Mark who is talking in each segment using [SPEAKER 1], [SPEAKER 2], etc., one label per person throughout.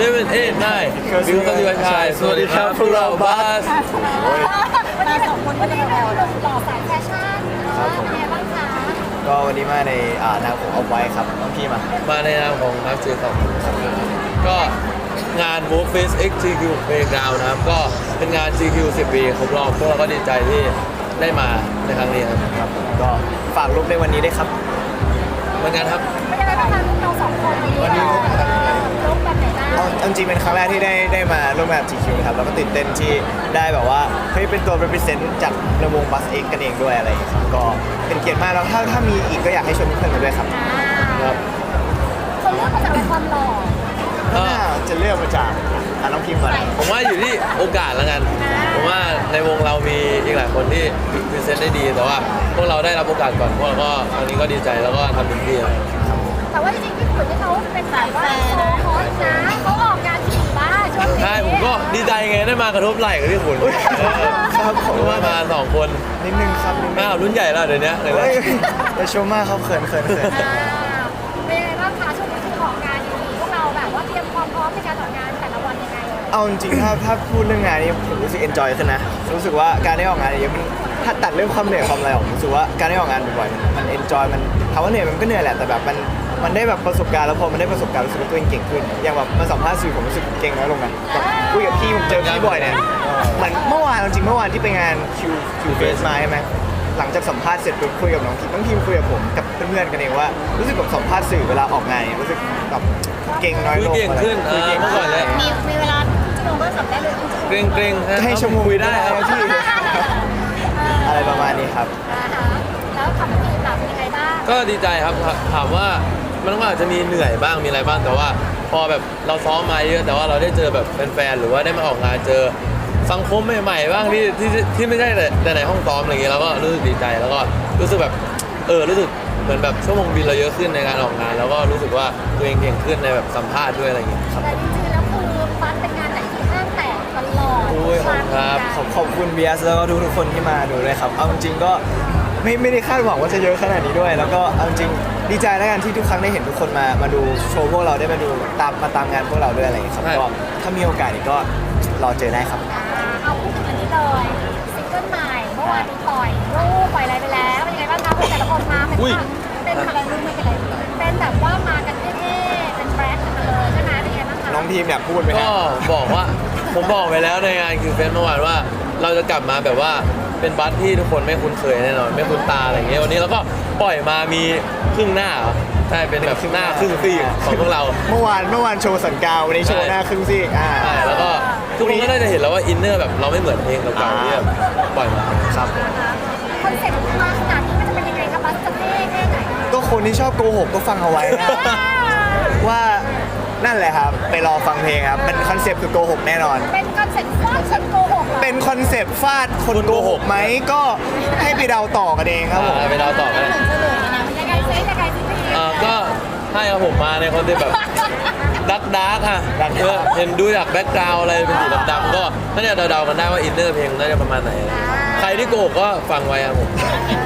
[SPEAKER 1] 7 8 9 บิวตี้วันชายสวัสดีครับพวกเราบัส
[SPEAKER 2] วันนี้2คนก็จะเป็นหนุ่มหล่อสายแฟชั่นเป็นไงบ้างคะ
[SPEAKER 3] ก็วันนี้มาในนามของเอาไว้ครับน้องพี่
[SPEAKER 1] มาในนามของนักเจของก็งาน Work Face X GQ Playground นะครับก็เป็นงาน GQ 10 ปีครบรอบพวกเราก็ดีใจที่ได้มาในครั้งนี้ครับ
[SPEAKER 3] ก็ฝากรูปในวันนี้ด้วยครับ
[SPEAKER 1] เหมือนกันครับ
[SPEAKER 2] เป็นยังไงบ้างคะเรา2คนวันนี้รูปแบบไหนบ้าง
[SPEAKER 3] จริงเป็นครั้งแรกที่ได้มาร่วมงาน GQ ครับแล้วก็ตื่นเต้นที่ได้แบบว่าเฮ้ยเป็นตัว represent จากในวง Bus X กันเองด้วยอะไรอย่างเงี้ยครับก็เป็นเกียรติมากแล้วถ้ามีอีกก็อยากให้ชวนเพื่อนๆมาด้วยครับ
[SPEAKER 1] ครับ
[SPEAKER 2] คนเลือกมาจากความหล่อ
[SPEAKER 3] จะเลือกมาจากน้องพิมพ์ก่อน
[SPEAKER 1] ผมว่าอยู่ที่โอกาสแล้วกันผมว่าในวงเรามีอีกหลายคนที่พรีเซนต์ได้ดีแต่ว่าพวกเราได้รับโอกาสก่อนพวกเราก็ครั้งนี้ก็ดีใจแล้วก็ทำเต็มที่
[SPEAKER 2] แต่ว่าจริงๆพี่ขุนที่เขาเป็นสายว่าโซฮอตนะเขาออกงานถี่บ้าช่วงนี้
[SPEAKER 1] ใช่ผมก็ดีใจไงได้มากระทบไหล่กับพี่ขุน
[SPEAKER 3] ครับผม
[SPEAKER 1] ว่ามา2 คน
[SPEAKER 3] นิดนึงครับ
[SPEAKER 1] รุ่นใหญ่แล้วเดี๋ยวนี้
[SPEAKER 3] แต่ชมมากเขาเขิน
[SPEAKER 2] เป็นยังไงบ้างคะช่วงนี้คือออกงานดีพวกเราแบบว่าเตรียมความพร้อมในการออกงานแต่ละวันยังไง
[SPEAKER 3] เอาจริงๆถ้าพูดเรื่องงานนี้ผมรู้สึกเอนจอยขึ้นนะรู้สึกว่าการได้ออกงานเยอะมันถ้าตัดเรื่องความเหนื่อยความอะไรออกรู้สึกว่าการได้ออกงานบ่อยๆมันเอนจอยมันถามว่าเหนื่อยมันก็เหนื่อยแหละแต่แบบมันได้แบบประสบการณ์แล้วพอมันได้ประสบการณ์รู้สึกว่าตัวเองเก่งขึ้นอย่างแบบมาสัมภาษณ์สื่อผมรู้สึกเก่งน้อยลงนะคุยกับพี่ผมเจอพี่บ่อยเนี่ยเหมือนเมื่อวานที่ไปงานคิวเฟสมาใช่ไหมหลังจากสัมภาษณ์เสร็จปุ๊บคุยกับน้องทีมคุยกับผมกับเพื่อนๆกันเองว่ารู้สึกแบบสัมภาษณ์สื่อเวลาออกงานรู้สึกแบบเก่งน้อยลง
[SPEAKER 1] เก่งขึ้นเมื่อก่อนเลย
[SPEAKER 2] มีเวลาชั่วโมงก็สัมได้เลย
[SPEAKER 1] เกรง
[SPEAKER 3] ให้ชั่วโมง
[SPEAKER 1] ได้ครับ
[SPEAKER 3] พี่อะไรประมาณนี้ครับ
[SPEAKER 2] แล้วทำทีมแบบยังไงบ้าง
[SPEAKER 1] ก็ดีใจครับถามว่ามันก็อาจจะมีเหนื่อยบ้างมีอะไรบ้างแต่ว่าพอแบบเราซ้อมมาเยอะแต่ว่าเราได้เจอแบบแฟนๆหรือว่าได้มาออกงานเจอสังคมใหม่ๆบ้างที่ไม่ใช่แต่ในห้องซ้อมอะไรอย่างเงี้ยเราก็รู้สึกดีใจแล้วก็รู้สึกแบบรู้สึกเหมือนแบบชั่วโมงบินเราเยอะขึ้นในการออกงานแล้วก็รู้สึกว่าตัวเองเก่งขึ้นในแบบสัมภาษณ์ด้วยอะไรอย่างเงี้ย
[SPEAKER 2] ครับแต่จริงๆแล้วคือฟันเป็นงานไหนที่ห้างแตกตลอด
[SPEAKER 1] ครับ
[SPEAKER 3] ขอบคุณเบียร์แล้วก็ทุกคนที่มาดูด้วยครับเอาจริงๆก็ไม่ได้คาดหวังว่าจะเยอะขนาดนี้ด้วยแล้วก็เอาจริงดีใจแล้วกันที่ทุกครั้งได้เห็นทุกคนมาดูโชว์พวกเราได้มาดูตามงานพวกเราด้วยอะไรอย่างเงี้ยครับก็ถ้ามีโอกาสอีกก็รอเจอได้ครับ
[SPEAKER 2] เอาพูดถึงอันนี้เลยซิงเกิลใหม่เมื่อวานนี้ปล่อยรูปปล่อยอะไรไปแล้วเป็นยังไงบ้างคะแต่ละคนมาเป็นอะไรรูปไม่เป็นไรเป็นแบบว่ามากันเท่ๆเป็นแบรนด์กันเลยใช่ไหมเป็นยังไงบ้างคะ
[SPEAKER 3] น้องทีมอยากพูดไหม
[SPEAKER 1] ก็บอกว่าผมบอกไปแล้วในงานคือเฟสเมื่อวานว่าเราจะกลับมาแบบว่าเป็นบัสที่ทุกคนไม่คุ้นเคยแน่นอนไม่คุ้นตาอะไรอย่างเงี้ยวันนี้เราก็ปล่อยมามีครึ่งหน้าใช่เป็นแบบหน้าครึ่งซีกของพวกเรา
[SPEAKER 3] เมื่อวานโชว์สันกาววันนี้โชว์หน้าครึ่งซีก
[SPEAKER 1] ใช่แล้วก็ทุกคนก็น่าจะเห็นแล้วว่าอินเนอร์แบบเราไม่เหมือนเพลงเก่าๆที่ปล่อยมา
[SPEAKER 3] ครับ
[SPEAKER 2] คอนเซ็ปต์มาขนาดนี้มันจะเป็นยังไงคะบัสจะเท่แค่ไหน
[SPEAKER 3] ก็คนที่ชอบโกหกก็ฟังเอาไว้นะว่านั่นแหละครับไปรอฟังเพลงครับเป็นคอนเซปต์คือโกหกแน่นอน
[SPEAKER 2] เป็นคอนเซ็ปต์ฟาดคนโกหก
[SPEAKER 3] เป็นคอนเซปต์ฟาดคนโกหกไหมก็ให้ไปเดาต่อกันเองครับผม
[SPEAKER 1] ไปเดาต่อกัน
[SPEAKER 2] ยังไงซิ
[SPEAKER 1] ก็ให้ครับผมมาในคอนเซปต์แบบดาร์กค่ะเห็นดูจากแบ็กกราวด์อะไรเป็นสีดำๆก็น่าจะเดาๆกันได้ว่าอินเนอร์เพลงน่าจะประมาณไหนใครที่โกหกก็ฟังไว้ครับผม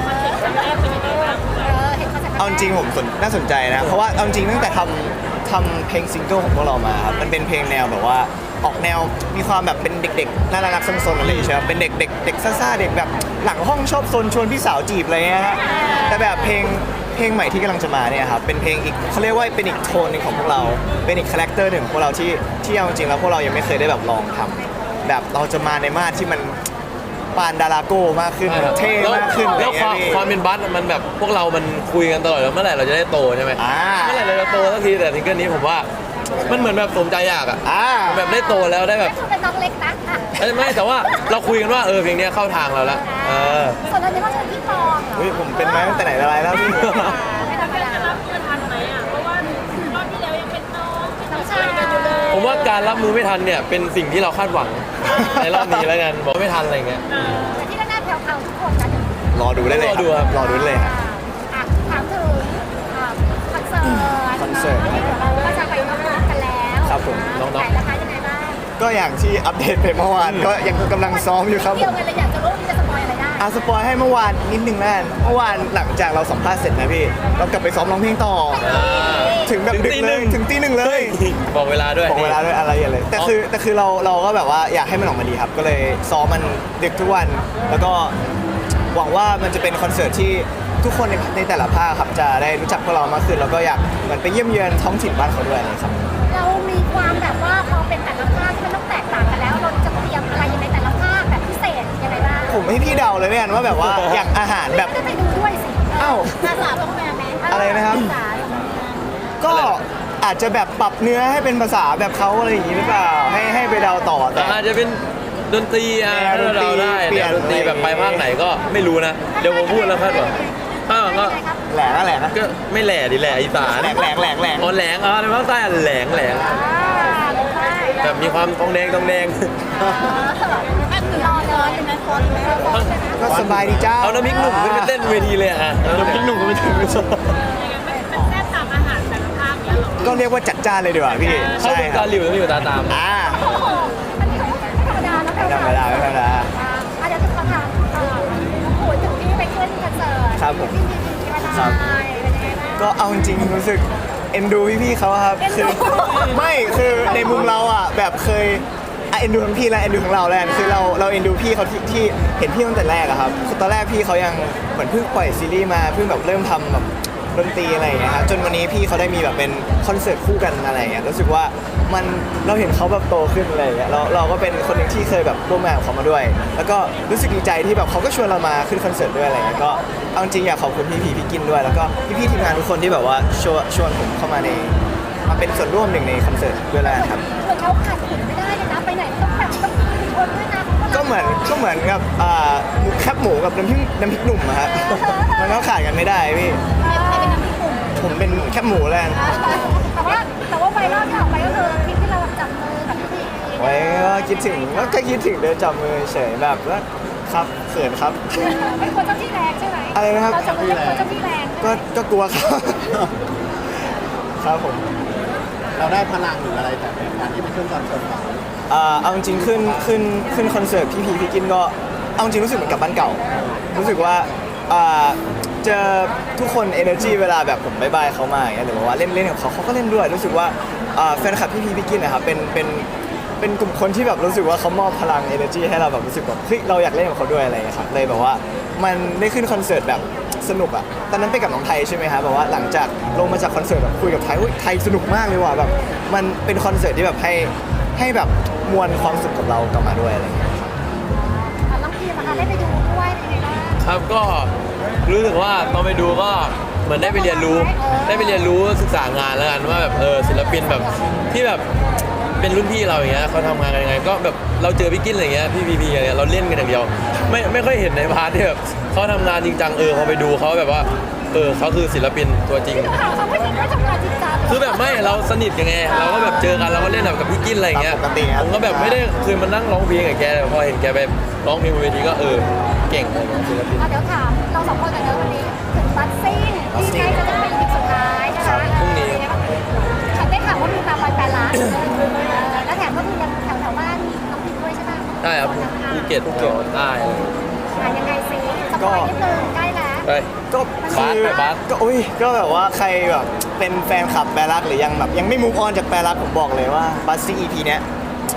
[SPEAKER 3] เอาจริงผมน่าสนใจนะเพราะว่าเอาจริงตั้งแต่ทำเพลงซิงเกิลของพวกเรามาครับมันเป็นเพลงแนวแบบว่าออกแนวมีความแบบเป็นเด็กๆน่ารักซนๆอะไรใช่ไหมเป็นเด็กซ่าๆเด็กแบบหลังห้องชอบซนชวนพี่สาวจีบอะไรเงี้ยแต่แบบเพลงใหม่ที่กำลังจะมาเนี่ยครับเป็นเพลงอีกเขาเรียกว่าเป็นอีกโทนหนึ่งของพวกเราเป็นอีกคาแรคเตอร์หนึ่งของพวกเราที่เอาจริงแล้วพวกเรายังไม่เคยได้แบบลองทำแบบเราจะมาในมาตรที่มันปานดาราโก้มากขึ้นเท่มากขึ้น
[SPEAKER 1] แล้วความเป็นบัสมันแบบพวกเรามันคุยกันตลอดแล้วเมื่อไหร่เราจะได้โตใช่ไหมเมื่อไหร่เราจะโตสักทีแต่ซิงเกิลนี้ผมว่ามันเหมือนแบบสมใจอยากอ่ะแบบได้โตแล้วได้แบบ
[SPEAKER 2] เป็นน้องเล็กนะ
[SPEAKER 1] ไม่แต่ว่าเราคุยกันว่าเพลงนี้เข้าทางเราแล้ว
[SPEAKER 2] ส่วนตอนนี้เขาจะพี่ปอง
[SPEAKER 3] เหรอผมเป็นมาตั้งแต่ไหนแต่ไรแล้วพี่
[SPEAKER 2] ไม่ทำอะไรรับมือทันไหมอ่ะเพราะว่ารอบที่แล้วยังเป็นน้องชายกันอยู่เลย
[SPEAKER 1] ผมว่าการรับมือไม่ทันเนี่ยเป็นสิ่งที่เราคาดหวังในรอบนี้แล้วกันบอกไม่ทันอะไรเงี้ย
[SPEAKER 2] แต่ที่แน่ๆแผ่วๆทุกคนนะ
[SPEAKER 3] รอดูได้เลยรอดูเลย
[SPEAKER 2] ถามถึงคอนเสิร์ตเราก็จะไปร่วมกันแล้ว
[SPEAKER 3] ครับผม
[SPEAKER 1] น้อง
[SPEAKER 2] ๆนะคะยังไงบ้าง
[SPEAKER 3] ก็อย่างที่อัปเดตไปเมื่อวานก็ยังกำลังซ้อมอยู่ครับ
[SPEAKER 2] เที่ยวกันเลยอยากจะรู้จะสปอยอะไรได้
[SPEAKER 3] สปอยให้เมื่อวานนิดนึงแล้วกันเมื่อวานหลังจากเราสัมภาษณ์เสร็จนะพี่เรากลับไปซ้อมร้องเพลงต่อ ถึงแบบดึกเลยถึงตีหนึ่งเลย
[SPEAKER 1] บอกเวลาด้วย
[SPEAKER 3] บอกเวลาด้วยอะไรอย่างเลยแต่คือเราก็แบบว่าอยากให้มันออกมาดีครับ ก็เลยซ้อมมันดึกทุกวัน แล้วก็หวังว่ามันจะเป็นคอนเสิร์ตที่ทุกคนในแต่ละภาคครับจะได้รู้จักพวกเรามากขึ้นแล้วก็อยากเหมือนไปเยี่ยมเยือนท้องถิ่นบ้านเขาด้วยนะครับ
[SPEAKER 2] เรามีความแบบว่าพอเป็นแต่ละภาคที่มันต้องแตกต่างกันแล้วเราจะเตรียมอะไรยังไงแต่ละภาคแบบพิเศษยังไงบ้าง
[SPEAKER 3] ผมให้พี่เดาเลยเนี่ยว่าแบบว่าอย่างอาหารแบบ
[SPEAKER 2] ก็ไปดูด้วยสิ
[SPEAKER 3] อ้าว
[SPEAKER 2] ภาษาต้องแปลไหม
[SPEAKER 3] อะไรนะครับ
[SPEAKER 2] ภาษาต้องแปล
[SPEAKER 3] ก็อาจจะแบบปรับเนื้อให้เป็นภาษาแบบเขาอะไรอย่างนี้หรือเปล่าให้ไปเดาต่อแต่
[SPEAKER 1] อาจจะเป็นดนตรีอ่ะ
[SPEAKER 3] แนว
[SPEAKER 1] ถ้าเราได้
[SPEAKER 3] เปลี่
[SPEAKER 1] แน
[SPEAKER 3] ยน
[SPEAKER 1] วดนตรีแบบไปภาคไหนก็ไม่รู้นะ เดี๋ยวผมพูดแล้วคาดหวังภาคหลังก็
[SPEAKER 3] แหลกนะ
[SPEAKER 1] ก็ไม่แหล่ดิแหล่อีสาน
[SPEAKER 3] แหลก
[SPEAKER 1] อ๋อแหลงอ๋อในภาคใต้อ่ะแหลง
[SPEAKER 2] ได้
[SPEAKER 1] แบบมีความทองแดง
[SPEAKER 2] อันนี้รอเลยเป็นนักฟอนไหม
[SPEAKER 3] ก็สบายดีจ้า
[SPEAKER 1] เอาน้ำพริกหนุ่มขึ้นไปเต้นเวทีเลยอ่ะน้ำพริกหนุ่มก็ไม่ถึง
[SPEAKER 3] ก็เรียกว่าจัดจ้านเลยดีกว่าพี่
[SPEAKER 1] เข้า
[SPEAKER 3] ใช่
[SPEAKER 1] ดู
[SPEAKER 3] ค
[SPEAKER 1] ตา
[SPEAKER 3] รับ
[SPEAKER 1] หลิวต้องอยู่ตาตาม
[SPEAKER 2] โอ้โหอันนี้ไม่ธรรมดาแล้ว
[SPEAKER 3] ไม่ธรรมดาไม่ธรรมดา
[SPEAKER 2] เดี๋ยวจะขอถามโอ้ยถึงที่ไปขึ้นคอนเสิร์ต
[SPEAKER 3] ครับผม
[SPEAKER 2] ที่มีมาได้เป็นยังไงบ้าง
[SPEAKER 3] ก็เอาจริงๆรู้สึกเอ็นดูพี่ๆเขาอะครับ
[SPEAKER 2] เอ็นดู
[SPEAKER 3] คือไม่คือในมุมเราอ่ะแบบเคยเอ็นดูทั้งพี่และเอ็นดูทั้งเราแล้วกันคือเราเอ็นดูพี่เขาที่เห็นพี่ตั้งแต่แรกอะครับคือตอนแรกพี่เขายังเหมือนเพิ่งปล่อยซีรีส์มาเพิ่งแบบเริ่มทำแบบดนตรีอะไรอย่างเงี้ยครับจนวันนี้พี่เขาได้มีแบบเป็นคอนเสิร์ตคู่กันอะไรอย่างเงี้ยรู้สึกว่ามันเราเห็นเขาแบบโตขึ้นอะไรอย่างเงี้ยเราก็เป็นคนหนึ่งที่เคยแบบร่วมงานกับเขามาด้วย แล้วก็รู้สึกดีใจที่แบบเขาก็ชวนเรามาขึ้นคอนเสิร์ตด้วยอะไรอย่างเงี้ยก็เอาจริงอยากขอบคุณพี่พีพี่กินด้วย แล้วก็พี่ๆทีมงานทุกคนที่แบบว่าชวนผมเข้ามามาเป็นส่วนร่วมหนึ่งในคอนเสิร์ตด้วยแล้วกันครับ
[SPEAKER 2] เหมือนเขาขาดขุนไม่ได้เลยนะไปไหนต้องแบบต้องมีคนด้วยนะ
[SPEAKER 3] ก็เหมือนกับหมูแคบหมูกับน้ำพริกหนุ่มอะครับมันก็ขาดกันไม่ได้พี่
[SPEAKER 2] ใครเป็นน้ำพริกหนุ่ม
[SPEAKER 3] ผมเป็นแคบหมูแล้วกัน
[SPEAKER 2] แต่ว่าไวรัลที่ออกไปก็คือคลิปที่เราจับมือกับพี่พี
[SPEAKER 3] ไว้ก็คิดถึงเดินจับมือเฉยแบบว่าครับเขินครับ
[SPEAKER 2] ไม่ควรเจ้าที่แรงใช่ไหม
[SPEAKER 3] อะไรนะครับ
[SPEAKER 2] เราจับมือไม่ควรเจ้าที่แรง
[SPEAKER 3] ก็กลัวครับ ครับผม
[SPEAKER 4] เราได้พลังหรืออะไรจากการที่ไปขึ้นคอนเสิร์ตเรา
[SPEAKER 3] เอาจริงๆขึ้นคอนเสิร์ตพี่กินก็เอาจริงรู้สึกเหมือนกลับบ้านเก่า รู้สึกว่าเจอทุกคน energy เวลาแบบผมบายบายเขามาอย่างเงี้ยหรือว่าเล่นกับเขาก็เล่นด้วย รู้สึกว่าแฟนคลับพี่กินนะครับเป็นกลุ่มคนที่แบบรู้สึกว่าเขามอบพลัง energy ให้เราแบบรู้สึกแบบเฮ้ยเราอยากเล่นกับเขาด้วยอะไรอย่างเงี้ยครับเลยแบบว่ามันได้ขึ้นคอนเสิร์ตแบบสนุกอ่ะตอนนั้นไปกับน้องไทยใช่ไหมครับแบบว่าหลังจากลงมาจากคอนเสิร์ตแบบคุยกับไทยไทยสนุกมากเลยว่ะแบบมันเป็นคอนเสิร์ตที่แบบให้แบบมวลความสุขกับเรากลับมาด้วยอะไรอย่างเงี้ย
[SPEAKER 2] น้องพีนะคะได้ไปดูด้วยเป็นยังไงบ้าง
[SPEAKER 1] ครับก็รู้สึกว่าตอนไปดูก็เหมือนได้ไปเรียนรู้ศึกษางานแล้วกันว่าแบบศิลปินแบบที่แบบเป็นรุ่นพี่เราอย่างเงี้ยเขาทำงานกันยังไงก็แบบเราเจอพี่กินอะไรเงี้ยพี่พีอะไรเงี้ยเราเล่นกันอย่างเดียวไม่ค่อยเห็นในพาร์ทที่แบบเขาทำงานจริงจังพอไปดูเขาแบบว่าเขาคือศิลปินตัวจริง
[SPEAKER 2] ข่าวเขาไม่ทำงานจริงจัง
[SPEAKER 1] คือแบบไม่เราสนิทกันไงเราก็แบบเจอกันเราก็เล่นแบบกับพี่กินอะไรอย่างเงี้ย
[SPEAKER 3] ปกติครับ
[SPEAKER 1] ผมก็แบบไม่ได้เคยมานั่งร้องเพลงกับแกแต่พอเห็นแกไปร้องเพลงบนเวทีก็เก่งเลยศิลปิน
[SPEAKER 2] เดี๋ยวถามเราสองคนกันเลยวันนี้ถึงบัสซิ่งที่ใกล้จะเป็นอีกสุดท้ายนะคะฉันได้ข่าวว่ามีตามวันแปดล้านแล้วแถมก็มียังแถวบ้านน้องพิมด้วยใช่ไหม
[SPEAKER 1] ได้ครับภูเก็ตได้
[SPEAKER 2] ยังไงซิสปอยนิดนึงใกล้แล้ว
[SPEAKER 1] ไป
[SPEAKER 3] ก็คือ
[SPEAKER 1] ไปบาส
[SPEAKER 3] ก็อุ้ยก็แบบว่าใครแบบเป็นแฟนคลับแปรรักหรือยังแบบยังไม่มูฟออนจากแปรรักผมบอกเลยว่าบัสซี่ EP เนี้ย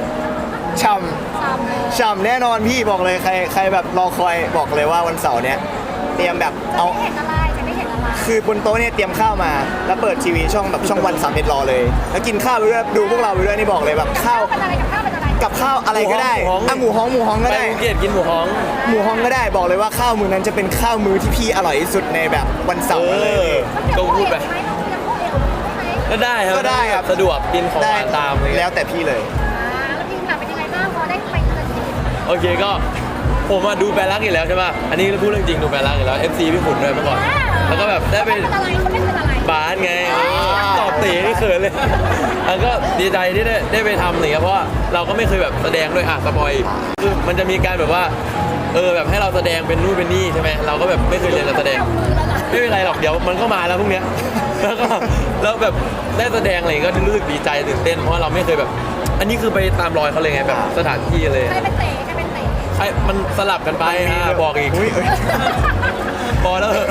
[SPEAKER 3] ฉ่ำแน่นอนพี่บอกเลยใครแบบรอคอยบอกเลยว่าวันเสาร์เนี้ยเตรียมแบบ
[SPEAKER 2] จะ
[SPEAKER 3] เอา
[SPEAKER 2] ไม่เห็นอะไรจะไม่เห็นอะไร
[SPEAKER 3] คือบนโต๊ะเนี่ยเตรียมข้าวมา แล้วเปิดทีวีช่องวัน31รอเลย แล้วกินข้าวไปด้วยดูพวกเราไปด้วยนี่บอกเลยแบบข้าว
[SPEAKER 2] เป็นอะไรกับข้าวเป็นอะไร
[SPEAKER 3] กับข้าวอะไรก็ได้อ่ะหมูฮ้องก็
[SPEAKER 1] ไป
[SPEAKER 3] ได้
[SPEAKER 1] ภูเก็ตกินหมูฮ้อง
[SPEAKER 3] หมูฮ้องก็ได้บอกเลยว่าข้าวมื้อนั้นจะเป็นข้าวมื้อที่พี่อร่อยที่สุดในแบบวันเสาร์เลย
[SPEAKER 1] ก็พูดไป
[SPEAKER 2] ไหมเรายังพูดเอวไหม
[SPEAKER 1] ก็ได้ครับ
[SPEAKER 3] ก็ได้ครับ
[SPEAKER 1] สะดวกกินของห
[SPEAKER 3] ได้
[SPEAKER 1] วานตามอะไร
[SPEAKER 3] แล้
[SPEAKER 1] เงี้
[SPEAKER 3] วย แต่พี่เลย
[SPEAKER 2] แล้วทีมงานเป็นยังไงบ้างพอได้ไปเจอทีม
[SPEAKER 1] โอเคก็ผมดูแปรรักอยู่แล้วใช่ป่ะอันนี้พูดเรื่องจริงดูแปรรักอยู่แล้ว FC พี่ขุนด้วยเมื่อก่อนแล้วก็แบบได้ไป
[SPEAKER 2] เป็นอะไรเขาเป็นอะไร
[SPEAKER 1] บาสไงตอบตีนี่เขินเลย แล้วก็ดีใจที่ได้ไปทำอะไรเงี้ยเพราะว่าเราก็ไม่เคยแบบแสดงด้วยสปอยคือมันจะมีการแบบว่าแบบให้เราแสดงเป็นนู่นเป็นนี่ใช่ไหมเราก็แบบไม่เคยเรียนการแสดง ไม่เป็นไรหรอกเดี๋ยวมันก็มาแล้วพวกเนี้ย แล้วแบบได้แสดงอะไรก็รู้สึกดีใจตื่นเต้นเพราะว่าเราไม่เคยแบบ อันนี้คือไปตามรอยเขาเลยไงแบบสถานที่เลย
[SPEAKER 2] ใครเป็นเต๋ใครเป็นเต๋
[SPEAKER 1] ใคมันสลับกันไปบอกอีก
[SPEAKER 3] อุ๊ย
[SPEAKER 1] พอแล้วเหอะ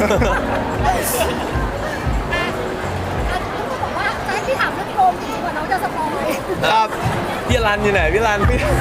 [SPEAKER 2] บอกว่าจะให้พี่ถามเรื่องโกงจริงๆกว่าน้องจะสปอย
[SPEAKER 3] ครับ
[SPEAKER 1] พี่รันอยู่ไหนพี่รัน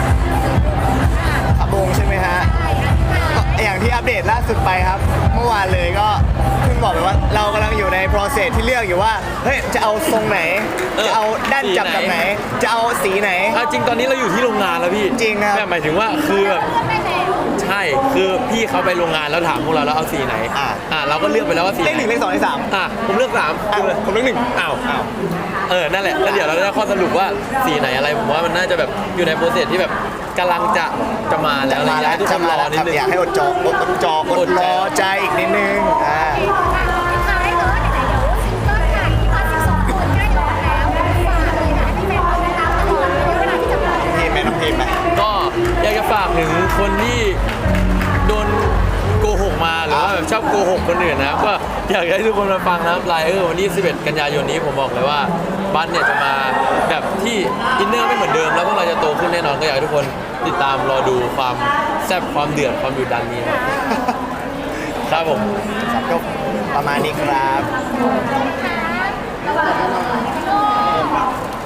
[SPEAKER 3] ขับวงใช่ไหมฮะ อย่างที่อัปเดตล่าสุดไปครับ เมื่อวานเลยก็เพิ่งบอกไปว่าเรากำลังอยู่ใน process ที่เลือกอยู่ว่าเฮ้ยจะเอาทรงไหน จะเอาด้านจับแบบไหน จะเอาสีไหน
[SPEAKER 1] จริงตอนนี้เราอยู่ที่โรงงานแล้วพี่
[SPEAKER 3] จริงครับ
[SPEAKER 1] หมายถึงว่าคือแบบ
[SPEAKER 2] ไม่แล้ว
[SPEAKER 1] ใช่คือพี่เขาไปโรงงานแล้วถามพวกเราแล้วเอาสีไหนเราก็เลือกไปแล้วว่าสี
[SPEAKER 3] เลขหนึ่งเลขสองเลขสาม
[SPEAKER 1] ผมเลือก3
[SPEAKER 3] ผมเลขหนึ่ง
[SPEAKER 1] อ้าวนั่นแหละแล้วเดี๋ยวเราได้ข้อสรุปว่าสีไหนอะไรผมว่ามันน่าจะแบบอยู่ในโปรเซสที่แบบกำลังจะมาแล้วอะไรอย่างเงี้ยให้ทุกคนรอนิดนึง
[SPEAKER 3] อยากให้อดอดรอใจอีกนิดนึง
[SPEAKER 2] ท้ายเลยไหนๆเดี๋ยวซิงเกิลค่ะที่มา12คนใกล้ออกแล้วฝากเลยนะให้แฟนๆได้ตามตลอดในเวลาที่จะปล่อย
[SPEAKER 3] เพลงไหมน้องเพลงไหม
[SPEAKER 1] ก็อยากจะฝากถึงคนที่โดนโกหกมาหรือว่าแบบชอบโกหกคนอื่นนะครับก็อยากให้ทุกคนมาฟังนะครับไลเออร์วันที่11 กันยายนนี้ผมบอกเลยว่าบัสเนี่ยจะมาแบบที่อินเนอร์ไม่เหมือนเดิมแล้วพวกเราจะโตขึ้นแน่นอนก็อยากให้ทุกคนติดตามรอดูความแซ่บความเดือดความดุดันนี้ครับครับผม
[SPEAKER 3] ครับก็ประมาณนี้ครับ
[SPEAKER 2] ค่ะระหว่างโลก